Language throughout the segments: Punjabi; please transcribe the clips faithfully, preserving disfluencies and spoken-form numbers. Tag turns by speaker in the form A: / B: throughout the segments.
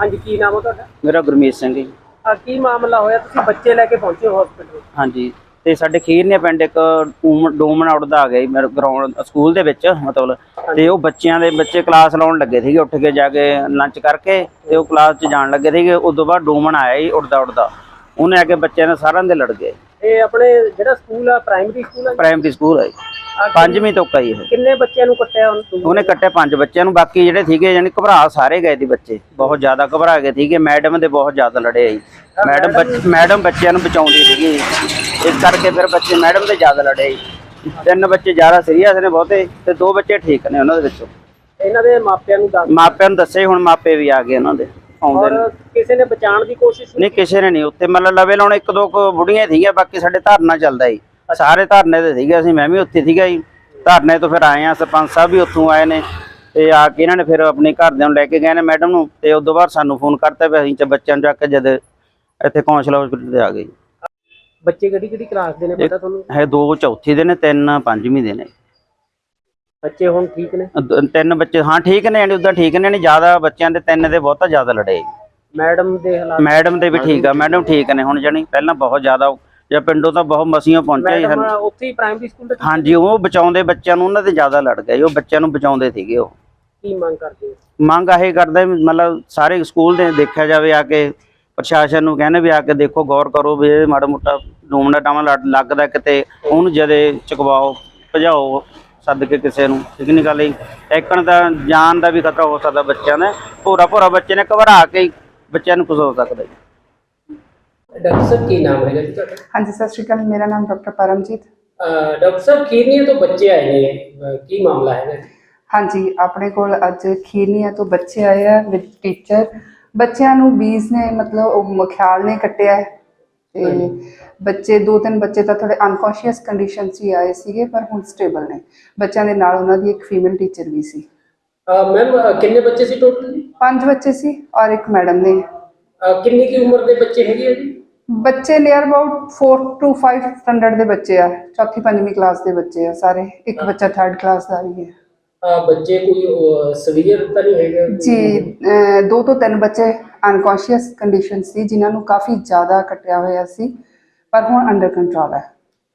A: ਹਾਂਜੀ, ਕੀ ਨਾਮ ਹੈ ਤੁਹਾਡਾ?
B: मेरा गुरमीत सिंह जी।
A: ਆ ਕੀ ਮਾਮਲਾ ਹੋਇਆ, ਤੁਸੀਂ ਬੱਚੇ ਲੈ ਕੇ ਪਹੁੰਚੇ ਹੋ ਹਸਪੀਟਲ?
B: हाँ जी। ਤੇ ਸਾਡੇ ਖੀਰਨੇ ਪਿੰਡ ਇੱਕ ਡੂਮਨ ਆਉਟਦਾ ਆ ਗਿਆ ਜੀ ਮੇਰੇ ਗਰਾਊਂਡ ਸਕੂਲ ਦੇ ਵਿੱਚ ਮਤਲਬ ਤੇ ਉਹ ਬੱਚਿਆਂ ਦੇ ਬੱਚੇ ਕਲਾਸ ਲਾਉਣ ਲੱਗੇ ਸੀਗੇ ਉੱਠ ਕੇ ਜਾ ਕੇ ਲੰਚ ਕਰਕੇ ਤੇ ਉਹ ਕਲਾਸ 'ਚ ਜਾਣ ਲੱਗੇ ਸੀਗੇ। ਉਦੋਂ ਬਾਅਦ ਡੂਮਨ ਆਇਆ ਜੀ ਉੱਡਦਾ ਉੱਡਦਾ, ਉਹਨੇ ਆ ਕੇ ਬੱਚਿਆਂ ਨੇ ਸਾਰਿਆਂ ਦੇ ਲੜ ਗਏ।
A: ਇਹ ਆਪਣੇ ਜਿਹੜਾ ਸਕੂਲ ਆ ਪ੍ਰਾਇਮਰੀ ਸਕੂਲ ਆ?
B: ਪ੍ਰਾਇਮਰੀ ਸਕੂਲ ਹੈ ਜੀ, ਪੰਜਵੀਂ ਤੋਂ ਕਈ ਇਹ।
A: ਕਿੰਨੇ ਬੱਚਿਆਂ ਨੂੰ ਕੱਟਿਆ ਉਹਨੇ?
B: ਉਹਨੇ ਕੱਟਿਆ ਪੰਜ ਬੱਚਿਆਂ ਨੂੰ, ਬਾਕੀ ਜਿਹੜੇ ਸੀਗੇ ਯਾਨੀ ਘਬਰਾ ਸਾਰੇ ਗਏ ਸੀ ਬੱਚੇ, ਬਹੁਤ ਜ਼ਿਆਦਾ ਘਬਰਾ ਗਏ ਸੀਗੇ। ਮੈਡਮ ਦੇ ਬਹੁਤ ਜ਼ਿਆਦਾ ਲੜੇ ਜੀ, ਮੈਡਮ ਮੈਡਮ ਬੱਚਿਆਂ ਨੂੰ ਬਚਾਉਂਦੀ ਸੀਗੀ, ਇਸ ਕਰਕੇ ਫਿਰ ਬੱਚੇ ਮੈਡਮ ਦੇ ਜ਼ਿਆਦਾ ਲੜੇ ਜੀ। ਤਿੰਨ ਬੱਚੇ ਜ਼ਿਆਦਾ ਸੀਰੀਅਸ ਨੇ ਬਹੁਤੇ ਤੇ ਦੋ ਬੱਚੇ ਠੀਕ ਨੇ ਉਹਨਾਂ ਦੇ ਵਿੱਚੋਂ।
A: ਇਹਨਾਂ ਦੇ ਮਾਪਿਆਂ ਨੂੰ ਦੱਸ
B: ਮਾਪਿਆਂ ਨੂੰ ਦੱਸੇ, ਹੁਣ ਮਾਪੇ ਵੀ ਆ ਗਏ ਉਹਨਾਂ ਦੇ ਆਉਂਦੇ ਨੇ।
A: ਕਿਸੇ ਨੇ ਬਚਾਉਣ ਦੀ ਕੋਸ਼ਿਸ਼
B: ਨਹੀਂ, ਕਿਸੇ ਨੇ ਨਹੀਂ। ਉੱਥੇ ਮਤਲਬ ਲਵੇ ਲਾਉਣ ਇੱਕ ਦੋ ਕੁ ਬੁੜੀਆਂ ਸੀਗੀਆਂ, ਬਾਕੀ ਸਾਡੇ ਧਰਨਾ ਚੱਲਦਾ ਜੀ, ਸਾਰੇ ਧਰਨੇ ਤੇ ਸੀਗੇ। ਅਸੀਂ ਮੈਂ ਵੀ ਉੱਥੇ ਸੀਗਾ ਜੀ, ਧਰਨੇ ਤੋਂ ਫਿਰ ਆਏ ਆ। ਸਰਪੰਚ ਸਾਹਿਬ ਵੀ ਉੱਥੋਂ ਆਏ ਨੇ ਤੇ ਆ ਕੇ ਇਹਨਾਂ ਨੇ ਫਿਰ ਆਪਣੇ ਘਰਦਿਆਂ ਨੂੰ ਲੈ ਕੇ ਗਏ ਨੇ ਮੈਡਮ ਨੂੰ, ਤੇ ਉਸ ਤੋਂ ਬਾਅਦ ਸਾਨੂੰ ਫੋਨ ਕਰਤਾ ਵੀ ਅਸੀਂ ਬੱਚਿਆਂ ਨੂੰ ਚੱਕ ਕੇ ਜਦ ਇੱਥੇ ਕੌਂਸਲ ਹਸਪੀਟਲ ਤੇ ਆ ਗਏ।
A: ਬੱਚੇ ਕਿਹੜੀ ਕਿਹੜੀ ਕਲਾਸ ਦੇ ਨੇ ਪਤਾ ਤੁਹਾਨੂੰ?
B: ਹੈ ਦੋ ਚੌਥੀ ਦੇ ਨੇ, ਤਿੰਨ ਪੰਜਵੀਂ ਦੇ ਨੇ।
A: ਬੱਚੇ ਹੁਣ ਠੀਕ ਨੇ?
B: ਤਿੰਨ ਬੱਚੇ ਹਾਂ ਠੀਕ ਨੇ, ਯਾਨੀ ਉਦਾਂ ਠੀਕ ਨੇ, ਨਹੀਂ ਜ਼ਿਆਦਾ ਬੱਚਿਆਂ ਦੇ ਤਿੰਨ ਦੇ ਬਹੁਤਾ ਜ਼ਿਆਦਾ ਲੜੇ।
A: ਮੈਡਮ ਦੇ ਹਾਲਾਤ?
B: ਮੈਡਮ ਦੇ ਵੀ ਠੀਕ ਆ, ਮੈਡਮ ਠੀਕ ਨੇ ਹੁਣ, ਜਾਣੀ ਪਹਿਲਾਂ ਬਹੁਤ ਜ਼ਿਆਦਾ ਜਾਂ ਪਿੰਡੋਂ ਤਾਂ ਬਹੁਤ ਮਸੀਆਂ ਪਹੁੰਚਿਆ
A: ਮੈਡਮ ਉੱਥੇ ਹੀ ਪ੍ਰਾਇਮਰੀ ਸਕੂਲ ਤੇ?
B: ਹਾਂਜੀ, ਉਹ ਬਚਾਉਂਦੇ ਬੱਚਿਆਂ ਨੂੰ, ਉਹਨਾਂ ਦੇ ਜ਼ਿਆਦਾ ਲੜ ਗਏ, ਉਹ ਬੱਚਿਆਂ ਨੂੰ ਬਚਾਉਂਦੇ ਸੀਗੇ। ਉਹ
A: ਕੀ ਮੰਗ ਕਰਦੇ?
B: ਮੰਗ ਇਹ ਕਰਦੇ ਮਤਲਬ ਸਾਰੇ ਸਕੂਲ ਦੇ ਦੇਖਿਆ ਜਾਵੇ, ਆ ਕੇ ਪ੍ਰਸ਼ਾਸਨ ਨੂੰ ਕਹਿੰਦੇ ਵੀ ਆ ਕੇ ਦੇਖੋ, ਗੌਰ ਕਰੋ ਵੀ ਇਹ ਮਾੜਾ ਮੋਟਾ ਡੂਮਣਾ ਟਾਵਾਂ ਲੱਗਦਾ ਕਿਤੇ, ਉਹਨੂੰ ਜਦੇ ਚੁਕਵਾਓ, ਭਜਾਓ ਸੱਦ ਕੇ ਕਿਸੇ ਨੂੰ। ਠੀਕ ਨਹੀਂ ਗੱਲ ਜੀ, ਇੱਕਣ ਦਾ ਜਾਨ ਦਾ ਵੀ ਖਤਰਾ ਹੋ ਸਕਦਾ ਬੱਚਿਆਂ ਦਾ। ਭੋਰਾ ਭੋਰਾ ਬੱਚੇ ਨੇ ਘਬਰਾ ਕੇ ਬੱਚਿਆਂ ਨੂੰ ਕੁਝ ਹੋ ਸਕਦਾ ਜੀ।
A: ਡਾਕਟਰ ਸਾਹਿਬ ਕੀ ਨਾਮ ਹੈਗਾ ਜੀ ਤੁਹਾਡਾ?
C: ਹਾਂਜੀ, ਸਤਿ ਸ਼੍ਰੀ ਅਕਾਲ, ਮੇਰਾ ਨਾਮ ਡਾਕਟਰ ਪਰਮਜੀਤ।
A: ਡਾਕਟਰ ਸਾਹਿਬ ਖੀਰਨੀਆ ਤੋਂ ਬੱਚੇ ਆਏ ਨੇ, ਕੀ ਮਾਮਲਾ ਹੈਗਾ ਜੀ?
C: ਹਾਂਜੀ, ਆਪਣੇ ਕੋਲ ਅੱਜ ਖੀਰਨੀਆ ਤੋਂ ਬੱਚੇ ਆਏ ਆ ਵਿਦ ਟੀਚਰ। ਬੱਚਿਆਂ ਨੂੰ ਬੀਜ ਨੇ ਮਤਲਬ ਉਹ ਮਖਿਆਲ ਨੇ ਕੱਟਿਆ ਹੈ ਤੇ ਬੱਚੇ ਦੋ ਤਿੰਨ ਬੱਚੇ ਤਾਂ ਥੋੜੇ ਅਨਕੌਂਸ਼ੀਅਸ ਕੰਡੀਸ਼ਨ 'ਚ ਹੀ ਆਏ ਸੀਗੇ, ਪਰ ਹੁਣ ਸਟੇਬਲ ਨੇ। ਬੱਚਿਆਂ ਦੇ ਨਾਲ ਉਹਨਾਂ ਦੀ ਇੱਕ ਫੀਮੇਲ ਟੀਚਰ ਵੀ ਸੀ।
A: ਮੈਮ ਕਿੰਨੇ ਬੱਚੇ ਸੀ ਟੋਟਲ?
C: ਪੰਜ ਬੱਚੇ ਸੀ ਔਰ ਇੱਕ ਮੈਡਮ ਨੇ।
A: ਕਿੰਨੀ ਕੀ ਉਮਰ ਦੇ ਬੱਚੇ ਹੈਗੇ ਆ ਜੀ? ਬੱਚੇ
C: near about four two five standard ਦੇ ਬੱਚੇ ਆ, ਚੌਥੀ ਪੰਜਵੀਂ ਕਲਾਸ ਦੇ ਬੱਚੇ ਆ ਸਾਰੇ। ਇੱਕ ਬੱਚਾ ਥਰਡ ਕਲਾਸ ਦਾ ਵੀ ਹੈ।
A: ਬੱਚੇ ਕੋਈ ਸਵੀਅਰ ਤਾਂ ਨਹੀਂ ਹੈਗੇ
C: ਜੀ? ਦੋ ਤੋਂ ਤਿੰਨ ਬੱਚੇ ਅਨਕੌਂਸ਼ੀਅਸ ਕੰਡੀਸ਼ਨ ਸੀ, ਜਿਨ੍ਹਾਂ ਨੂੰ ਕਾਫੀ ਜ਼ਿਆਦਾ ਕੱਟਿਆ ਹੋਇਆ ਸੀ, ਪਰ ਹੁਣ ਅੰਡਰ ਕੰਟਰੋਲ ਹੈ।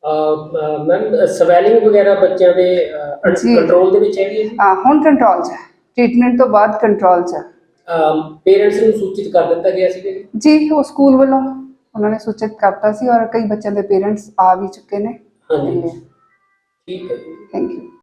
A: ਮੈਮ ਸਵੈਲਿੰਗ ਵਗੈਰਾ ਬੱਚਿਆਂ ਦੇ ਕੰਟਰੋਲ ਦੇ ਵਿੱਚ ਹੈਗੀ ਹੈ ਜੀ?
C: ਹਾਂ, ਹੁਣ ਕੰਟਰੋਲ 'ਚ ਹੈ, ਟ੍ਰੀਟਮੈਂਟ ਤੋਂ ਬਾਅਦ ਕੰਟਰੋਲ 'ਚ ਹੈ।
A: ਪੇਰੈਂਟਸ ਨੂੰ ਸੂਚਿਤ ਕਰ ਦਿੱਤਾ ਗਿਆ ਸੀ
C: ਜੀ? ਉਹ ਸਕੂਲ ਵੱਲੋਂ ਉਹਨਾਂ ਨੇ ਸੂਚਿਤ ਕਰਤਾ ਸੀ ਔਰ ਕਈ ਬੱਚਿਆਂ ਦੇ ਪੇਰੈਂਟਸ ਆ ਵੀ ਚੁੱਕੇ ਨੇ।
A: ਹਾਂਜੀ, ਠੀਕ ਹੈ,
C: ਥੈਂਕ ਯੂ।